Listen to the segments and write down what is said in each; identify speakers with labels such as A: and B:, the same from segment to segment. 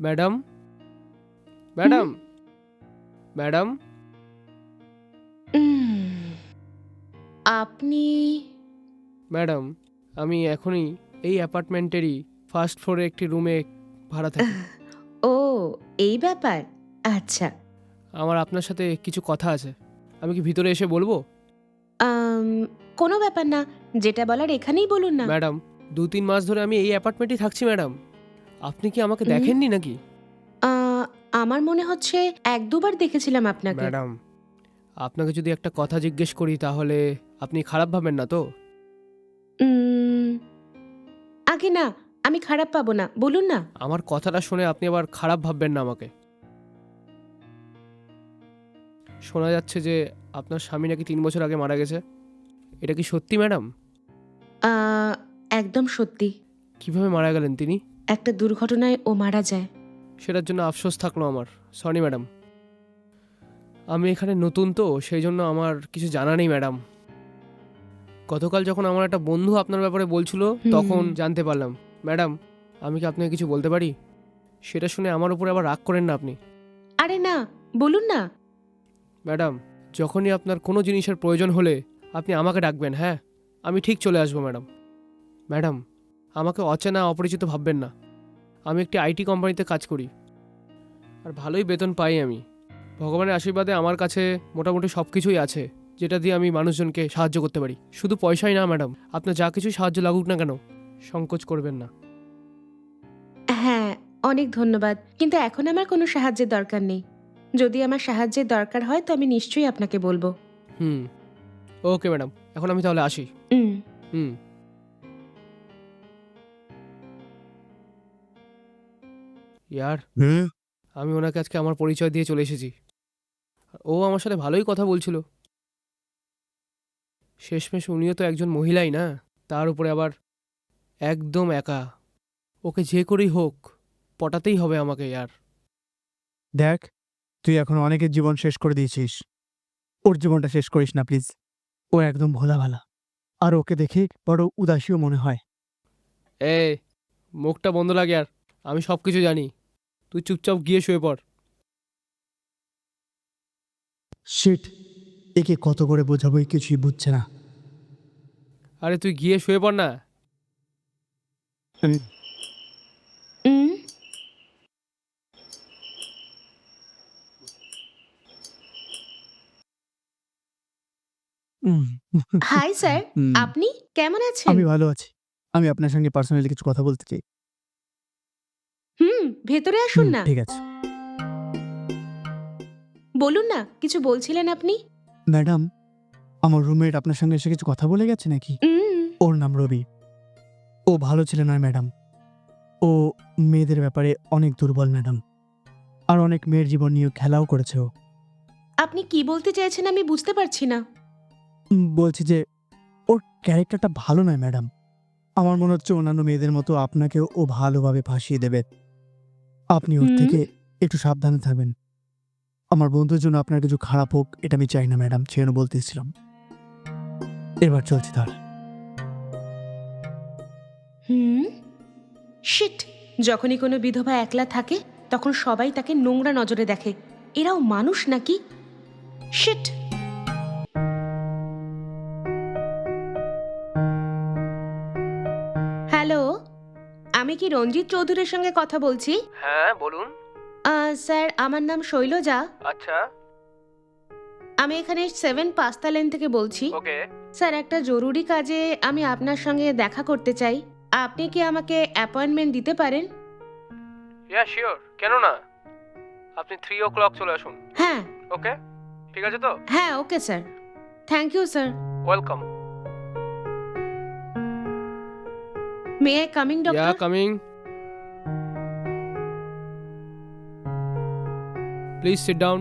A: Madam,
B: হুম?
A: Madam, madam.
B: Um, আপনি
A: madam, আমি এখনই এই অ্যাপার্টমেন্টেরই ফার্স্ট ফ্লোরে একটি রুমে ভাড়া থাকি।
B: ও, এই ব্যাপার। আচ্ছা।
A: আমার আপনার সাথে কিছু কথা আছে। আমি কি ভিতরে এসে বলবো?
B: আম, কোনো ব্যাপার না, যেটা বলার এখানেই বলুন না।
A: ম্যাডাম, 2-3 মাস ধরে আমি এই অ্যাপার্টমেন্টেই থাকছি ম্যাডাম। আপনি কি আমাকে
B: হুম?
A: দেখেননি নাকি?
B: আমার মনে হচ্ছে এক দুবার দেখেছিলাম আপনাকে।
A: ম্যাডাম, আপনাকে যদি একটা কথা জিজ্ঞেস করি তাহলে আপনি খারাপ ভাবেন না তো?
B: উম, আগে না, আমি খারাপ পাবো না, বলুন না।
A: আমার কথাটা শুনে আপনি আবার খারাপ ভাববেন না আমাকে। শোনা যাচ্ছে যে আপনার স্বামী নাকি 3 বছর আগে মারা গেছে। এটা কি সত্যি ম্যাডাম?
B: আহ, একদম সত্যি।
A: কিভাবে মারা গেলেন তিনি?
B: একটা দুর্ঘটনায় ও মারা যায়।
A: সেটার জন্য আফসোস থাকলো আমার। Sorry madam. আমি এখানে নতুন তো সেই জন্য আমার কিছু জানা নেই ম্যাডাম। গতকাল যখন আমার একটা বন্ধু আপনার ব্যাপারে বলছিল তখন
B: হুম।
A: জানতে পারলাম। ম্যাডাম, আমি কি আপনাকে কিছু বলতে পারি? সেটা শুনে আমার উপরে আবার রাগ করেন না আপনি।
B: আরে না, বলুন না।
A: ম্যাডাম, যখনই আপনার কোনো জিনিসের প্রয়োজন হলে আপনি আমাকে ডাকবেন, হ্যাঁ? আমি ঠিক চলে আসবো ম্যাডাম। ম্যাডাম, আমাকে অচেনা অপরিচিত ভাববেন না। আমি একটি আইটি কোম্পানিতে কাজ করি আর ভালোই বেতন পাই আমি। ভগবানের আশীর্বাদে আমার কাছে মোটামুটি সব কিছুই আছে যেটা দিয়ে আমি মানুষজনকে সাহায্য করতে পারি। শুধু পয়সাই না ম্যাডাম, আপনার যা কিছু সাহায্য লাগুক না কেন, সংকোচ করবেন না।
B: হ্যাঁ, অনেক ধন্যবাদ, কিন্তু এখন আমার কোনো সাহায্যের দরকার নেই। যদি আমার সাহায্যের দরকার হয় তো আমি নিশ্চয়ই আপনাকে বলবো।
A: হুম, ওকে ম্যাডাম, এখন আমি তাহলে আসি।
B: হুম।
A: হুম। ইয়ার,
C: হুম।
A: আমি ওনাকে আজকে আমার পরিচয় দিয়ে চলে এসেছি। ও আমার সাথে ভালোই কথা বলছিল। শেষমেশ উনিও তো একজন মহিলাই না, তার উপরে আবার একদম একা। ওকে যে করেই হোক পটাতেই হবে আমাকে ইয়ার।
C: দেখ, তুই এখন অনেকের জীবন শেষ করে দিয়েছিস। ওর জীবনটা শেষ করিস না প্লিজ। ও একদম ভোলা ভালা, আর ওকে দেখে বড় উদাসীও মনে হয়।
A: এ, মুখটা বন্ধ লাগে আর। আমি সব কিছু জানি। তুই চুপচাপ গিয়ে শুয়ে পড়।
C: শিট, একে কত করে বোঝাবো, এই কিছুই বুঝছে না।
A: আরে তুই গিয়ে শুয়ে পড় না।
C: হুম,
B: হুম।
C: হুম,
B: হাই স্যার,
C: হুম,
B: আপনি কেমন আছেন?
C: আমি ভালো আছি। আমি আপনার সঙ্গে পার্সোনালি কিছু কথা বলতে চাই।
B: হুম, ভেতরে আসুন না।
C: ঠিক আছে।
B: বলুন না, কিছু বলছিলেন আপনি?
C: ম্যাডাম, আমার রুমমেট আপনার সঙ্গে এসে কিছু কথা বলে গেছে নাকি?
B: হুম।
C: ওর নাম রবি। ও ভালো ছিল না ম্যাডাম। ও মেয়েদের ব্যাপারে অনেক দুর্বল ম্যাডাম, আর অনেক মেয়ের জীবন নিয়ে খেলাও করেছে ও।
B: আপনি কি বলতে চাইছেন আমি বুঝতে পারছি না।
C: বলছি যে ওর ক্যারেক্টারটা ভালো নয় ম্যাডাম। আমার মনে হচ্ছে অন্যান্য মেয়েদের মতো আপনাকেও ও ভালোভাবে ফাঁসিয়ে দেবে। আপনি ওর
B: হুম।
C: থেকে একটু সাবধানে থাকবেন। আমার বন্ধুর জন্য আপনার কিছু খারাপ হোক এটা আমি চাই না ম্যাডাম, সেজন্য বলতেছিলাম। এবার চলছি তাহলে।
B: হুম। শিট, যখনই কোনো বিধবা একলা থাকে তখন সবাই তাকে নোংরা নজরে দেখে। এরাও মানুষ নাকি? শিট। হ্যালো, আমি কি রঞ্জিত চৌধুরীর সঙ্গে কথা বলছি?
A: হ্যাঁ বলুন।
B: স্যার, আমার নাম শৈলজা।
A: আচ্ছা।
B: আমি এখানে 7 পাস্তা লেন থেকে বলছি।
A: ওকে।
B: স্যার, একটা জরুরি কাজে আমি আপনার সঙ্গে দেখা করতে চাই। আপনি কি আমাকে অ্যাপয়েন্টমেন্ট দিতে পারেন?
A: ইয়া শিওর, কেন না? আপনি 3 o'clock চলে আসুন।
B: হ্যাঁ।
A: ওকে, ঠিক আছে তো?
B: হ্যাঁ, okay sir. Thank you sir.
A: Welcome.
B: May I coming
A: yeah
B: doctor?
A: Coming. Please sit down.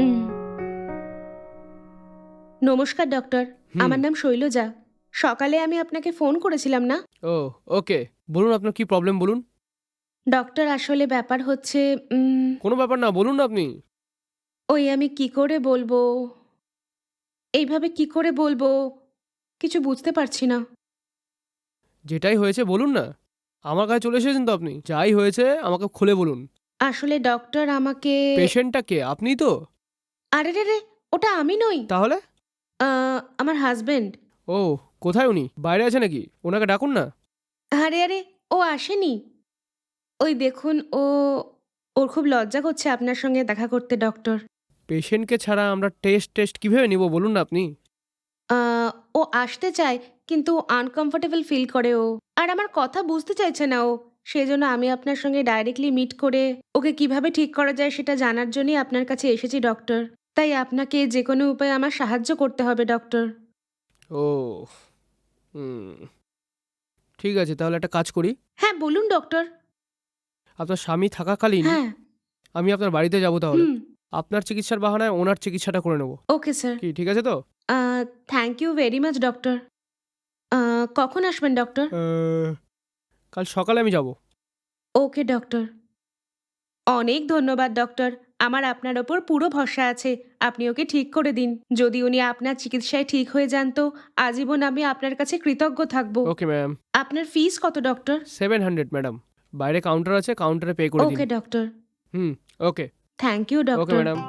B: নমস্কার ডক্টর,
A: হুম।
B: আমার নাম শৈলজা। সকালে আমি আপনাকে ফোন করেছিলাম না?
A: ও, ওকে। বলুন আপনার কি প্রবলেম বলুন।
B: ডক্টর, আসলে ব্যাপার হচ্ছে
A: কোনো ব্যাপার না, বলুন না আপনি।
B: ওই আমি কি করে বলবো, এইভাবে কি করে বলবো, কিছু বুঝতে পারছি না।
A: যেটাই হয়েছে বলুন না। আমার কাছে চলে এসেছেন তো আপনি, যাই হয়েছে আমাকে খুলে বলুন।
B: আসলে ডক্টর আমাকে
A: পেশেন্টটা কে, আপনি তো?
B: আরে রে রে, ওটা আমি নই।
A: তাহলে?
B: আমার হাজবেন্ড।
A: ও, কোথায় উনি? বাইরে আছে নাকি? ওনাকে ডাকুন না।
B: আরে আরে, ও আসেনি। ওই দেখুন, ওর খুব লজ্জা করছে আপনার সঙ্গে দেখা করতে ডক্টর।
A: পেশেন্টকে ছাড়া আমরা টেস্ট কিভাবে নিব বলুন না আপনি?
B: আহ, ও আসতে চায় কিন্তু আনকমফোর্টেবল ফিল করে ও। আর আমার কথা বুঝতে চাইছে না ও। সেই জন্য আমি আপনার সঙ্গে ডাইরেক্টলি মিট করে ওকে কিভাবে ঠিক করা যায় সেটা জানার জন্যই আপনার কাছে এসেছি ডক্টর। তাই আপনাকে যে কোনো উপায়ে আমার সাহায্য করতে হবে ডক্টর।
A: ও, হুম, ঠিক আছে, তাহলে একটা কাজ করি।
B: হ্যাঁ বলুন ডক্টর।
A: আপনার স্বামী থাকাকালীন
B: হ্যাঁ।
A: আমি আপনার বাড়িতে যাব তাহলে।
B: হুম।
A: আপনার চিকিৎসার বাহানায় ওনার চিকিৎসাটা করে নেব।
B: Okay sir.
A: কি ঠিক আছে তো?
B: Thank you very much doctor. কখন আসবেন ডক্টর?
A: কাল সকালে আমি যাব।
B: Okay doctor. অনেক ধন্যবাদ ডক্টর। আমার আপনার ওপর পুরো ভরসা আছে। আপনি ওকে ঠিক করে দিন। যদি উনি আপনার চিকিৎসায় ঠিক হয়ে যান তো আজীবন আমি আপনার কাছে কৃতজ্ঞ থাকব।
A: Okay ma'am.
B: আপনার ফিস কত ডক্টর?
A: 700 ম্যাডাম। বাইরে কাউন্টার আছে, কাউন্টারে পে করে দিন।
B: Okay doctor.
A: হুম। Okay.
B: Thank you
A: okay
B: doctor.
A: Madam.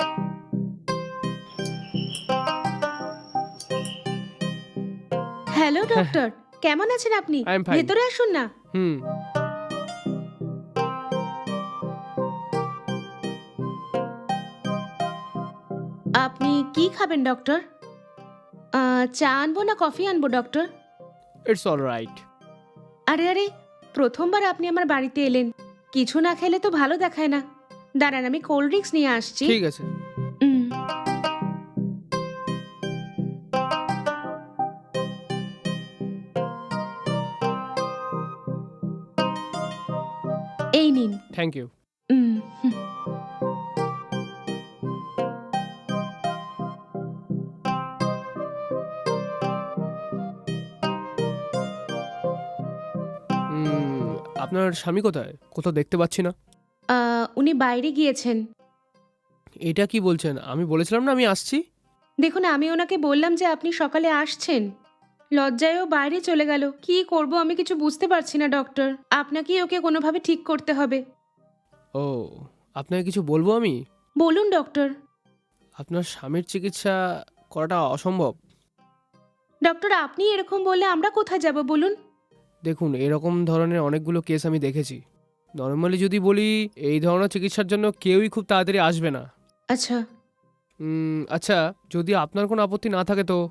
B: Hello doctor, কেমন আছেন আপনি?
A: I am fine.
B: ভেতরে আসুন না।
A: হুম।
B: আপনি কি খাবেন ডক্টর? চা আনবো না কফি আনবো ডক্টর?
A: It's all right.
B: আরে আরে, প্রথমবার আপনি আমার বাড়িতে এলেন। কিছু না খেলে তো ভালো দেখায় না। দাঁড়ান, আমি কোল্ড ড্রিঙ্কস নিয়ে আসছি।
A: ঠিক আছে।
B: উম, এই নিন।
A: Thank you.
B: হুম।
A: আপনার স্বামী কোথায়? কোথাও দেখতে পাচ্ছি না।
B: উনি বাইরে গিয়েছেন।
A: এটা কি বলছেন? আমি বলেছিলাম না আমি আসছি।
B: দেখুন, আমি ওনাকে বললাম যে আপনি সকালে আসছেন। লজ্জায়ও বাইরে চলে গেল। কি করব আমি কিছু বুঝতে পারছি না ডক্টর। আপনাকেই ওকে কোনোভাবে ঠিক করতে হবে।
A: ও, আপনাকে কিছু বলবো আমি?
B: বলুন ডক্টর।
A: আপনার স্বামীর চিকিৎসা করাটা অসম্ভব।
B: ডক্টর, আপনি এরকম বললে আমরা কোথায় যাব বলুন?
A: দেখুন, এরকম ধরনের অনেকগুলো কেস আমি দেখেছি। নর্মালি যদি বলি, এই ধরনের চিকিৎসার জন্য কেউই খুব তাড়াতাড়ি আসবে না।
B: আচ্ছা।
A: আচ্ছা, যদি আপনার কোনো আপত্তি না থাকে তো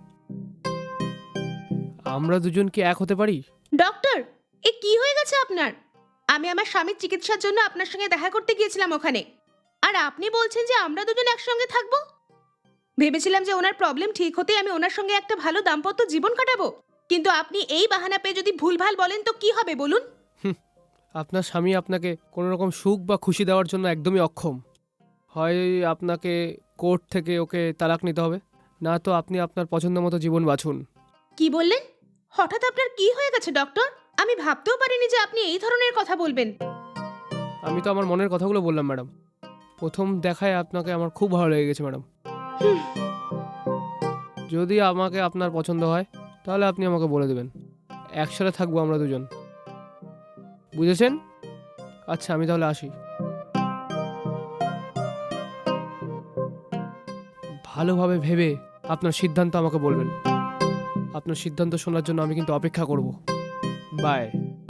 A: আমরা দুজন কি এক হতে পারি?
B: ডক্টর, এ কি হয়ে গেছে আপনার? আমি আমার স্বামীর চিকিৎসার জন্য আপনার সঙ্গে দেখা করতে গিয়েছিলাম ওখানে। আর আপনি বলছেন যে আমরা দুজন একসঙ্গে থাকবো? ভেবেছিলাম যে ওনার প্রবলেম ঠিক হতেই আমি ওনার সঙ্গে একটা ভালো দাম্পত্য জীবন কাটাবো। কিন্তু আপনি এই বাহানা পেয়ে যদি ভুলভাল বলেন তো কি হবে বলুন?
A: আপনার স্বামী আপনাকে কোনো রকম সুখ বা খুশি দেওয়ার জন্য একদমই অক্ষম। হয় আপনাকে কোর্ট থেকে ওকে তালাক নিতে হবে, না তো আপনি আপনার পছন্দ মতো জীবন বাছুন।
B: কি বললেন? হঠাৎ আপনার কি হয়ে গেছে ডক্টর? আমি ভাবতেও পারিনি যে আপনি এই ধরনের কথা বলবেন।
A: আমি তো আমার মনের কথাগুলো বললাম ম্যাডাম। প্রথম দেখায় আপনাকে আমার খুব ভালো লেগে গেছে ম্যাডাম। যদি আমাকে আপনার পছন্দ হয় তাহলে আপনি আমাকে বলে দেবেন। একসাথে থাকবো আমরা দুজন, বুঝেছেন? আচ্ছা, আমি তাহলে আসি। ভালোভাবে ভেবে আপনার সিদ্ধান্ত আমাকে বলবেন। আপনার সিদ্ধান্ত শোনার জন্য আমি কিন্তু অপেক্ষা করব। বাই।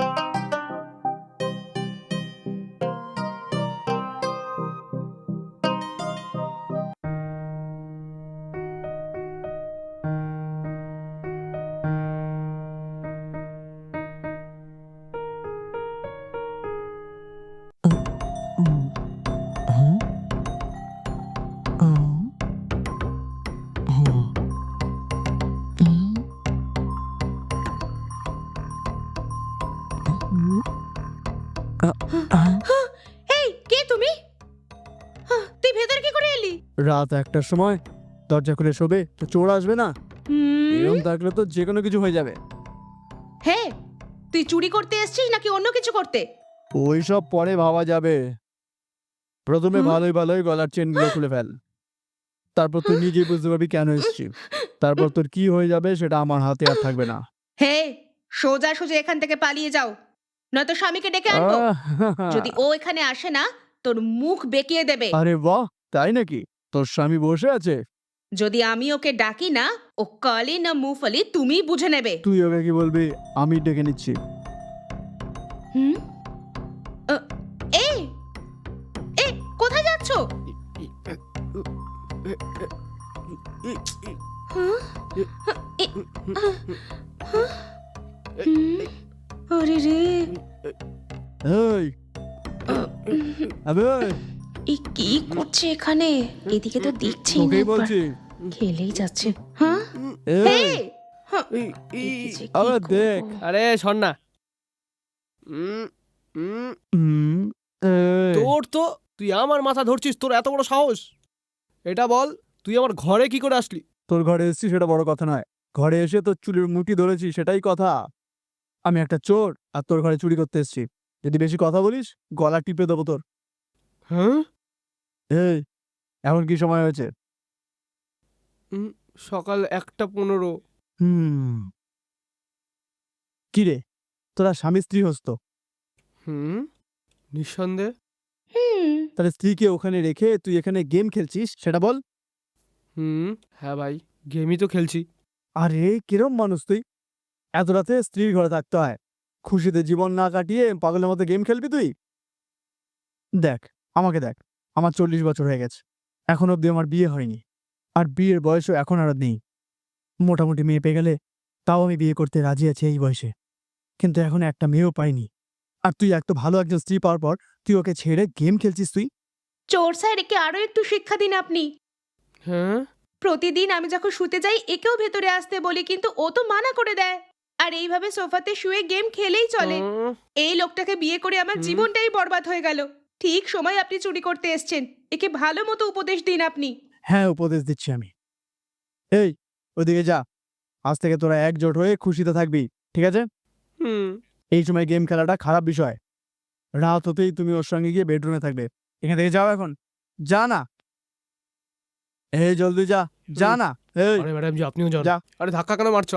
B: এই, কে তুমি? তুই ভেতরে কি করে এলি?
C: রাত 1টার সময় দরজা খুলে শোবে তো চোর আসবে না? এরকম থাকলে তো যে কোনো কিছু হয়ে যাবে।
B: হে, তুই চুরি করতে এসেছিস নাকি অন্য কিছু করতে?
C: ওই সব পরে ভাবা যাবে। প্রথমে
B: হুম?
C: ভালোই গলার চেনগুলো খুলে ফেল। তারপর তুই নিজেই বুঝতে পারবি কেন এসেছি। তারপর তোর কি হয়ে যাবে সেটা আমার হাতে আর থাকবে না।
B: হে, সোজা সোজা এখান থেকে পালিয়ে যাও, নয়তো স্বামীকে ডেকে আনবো। যদি ও এখানে আসে না তোর মুখ বেঁকিয়ে দেবে।
C: আরে বাহ, তাই নাকি? তোর স্বামী বসে আছে?
B: যদি আমি ওকে ডাকি না, ও কালি না মুফলি তুমিই বুঝে নেবে।
C: তুই ওকে কি বলবি? আমি ডেকে নিচ্ছি।
B: হুম? আ, এই এই কোথায় যাচ্ছ? হ্যাঁ? হুম? আরে রে,
C: এই আবে,
B: এ কি করছে এখানে? এদিকে তো দেখছেই না
C: তোকেই
B: একবার।
C: বলছি।
B: খেলেই যাচ্ছে। হ্যাঁ?
C: এই,
B: এই! হ্যাঁ, একে যে কি
C: আবার
B: করবো?
C: দেখ।
A: আরে শোন না। উম, উম,
C: হুম, এই,
A: তোর তো তুই আমার মাথা ধরছিস, তোর এত বড় সাহস? এটা বল, তুই আমার ঘরে কি করে আসলি?
C: তোর ঘরে এসেছি সেটা বড় কথা নয়। ঘরে এসে তোর চুলের মুঠি ধরেছি সেটাই কথা। আমি একটা চোর আর তোর ঘরে চুরি করতে এসেছি। যদি বেশি কথা বলিস গলা টিপে দেবো তোর।
A: হ্যাঁ?
C: এই, এখন কি সময় হয়েছে?
A: সকাল 1:15।
C: হুম, কি রে, তোরা স্বামী স্ত্রী হোস তো?
A: নিঃসন্দেহে।
B: হুম,
C: তাহলে স্ত্রীকে ওখানে রেখে তুই এখানে গেম খেলছিস সেটা বল।
A: হ্যাঁ ভাই, গেমই তো খেলছি।
C: আরে কিরম মানুষ তুই? এত রাতে স্ত্রীর ঘরে থাকতে হয়, খুশিতে জীবন না কাটিয়ে পাগলের মতো গেম খেলবি তুই? দেখ, আমাকে দেখ, আমার 40 বছর হয়ে গেছে, এখন অবধি আমার বিয়ে হয়নি, আর বিয়ের বয়সও এখন আর নেই। মোটামুটি মেয়ে পেয়ে গেলে তাও আমি বিয়ে করতে রাজি আছি এই বয়সে, কিন্তু এখন একটা মেয়েও পাইনি। আর তুই এত ভালো একজন স্ত্রী পাওয়ার পর তুই ওকে ছেড়ে গেম খেলছিস তুই?
B: চোর স্যার, একে আরো একটু শিক্ষা দিন আপনি।
A: হ্যাঁ?
B: প্রতিদিন আমি যখন শুতে যাই একেও ভেতরে আসতে বলি, কিন্তু ও তো মানা করে দেয়। আর এইভাবে সোফাতে শুয়ে গেম খেলেই চলে।
A: উম,
B: এই লোকটাকে বিয়ে করে আমার
A: হুম।
B: জীবনটাই বরবাদ হয়ে গেল। ঠিক সময় আপনি চুরি করতে এসেছেন। একে ভালো মতো উপদেশ দিন আপনি।
C: হ্যাঁ, উপদেশ দিচ্ছি আমি। এই, ওদিকে যা, আজ থেকে তোরা একজোট হয়ে খুশিতে থাকবি, ঠিক আছে?
A: হুম।
C: এই সময় গেম খেলাটা খারাপ বিষয়। রাত হতেই তুমি ওর সঙ্গে গিয়ে বেডরুমে থাকবে। এখান থেকে যাও এখন, যা না। এই জলদি যা, যা না। এই
A: আরে ম্যাডাম জি, আপনিও যান।
C: যা।
A: আরে ধাক্কা কেন মারছো?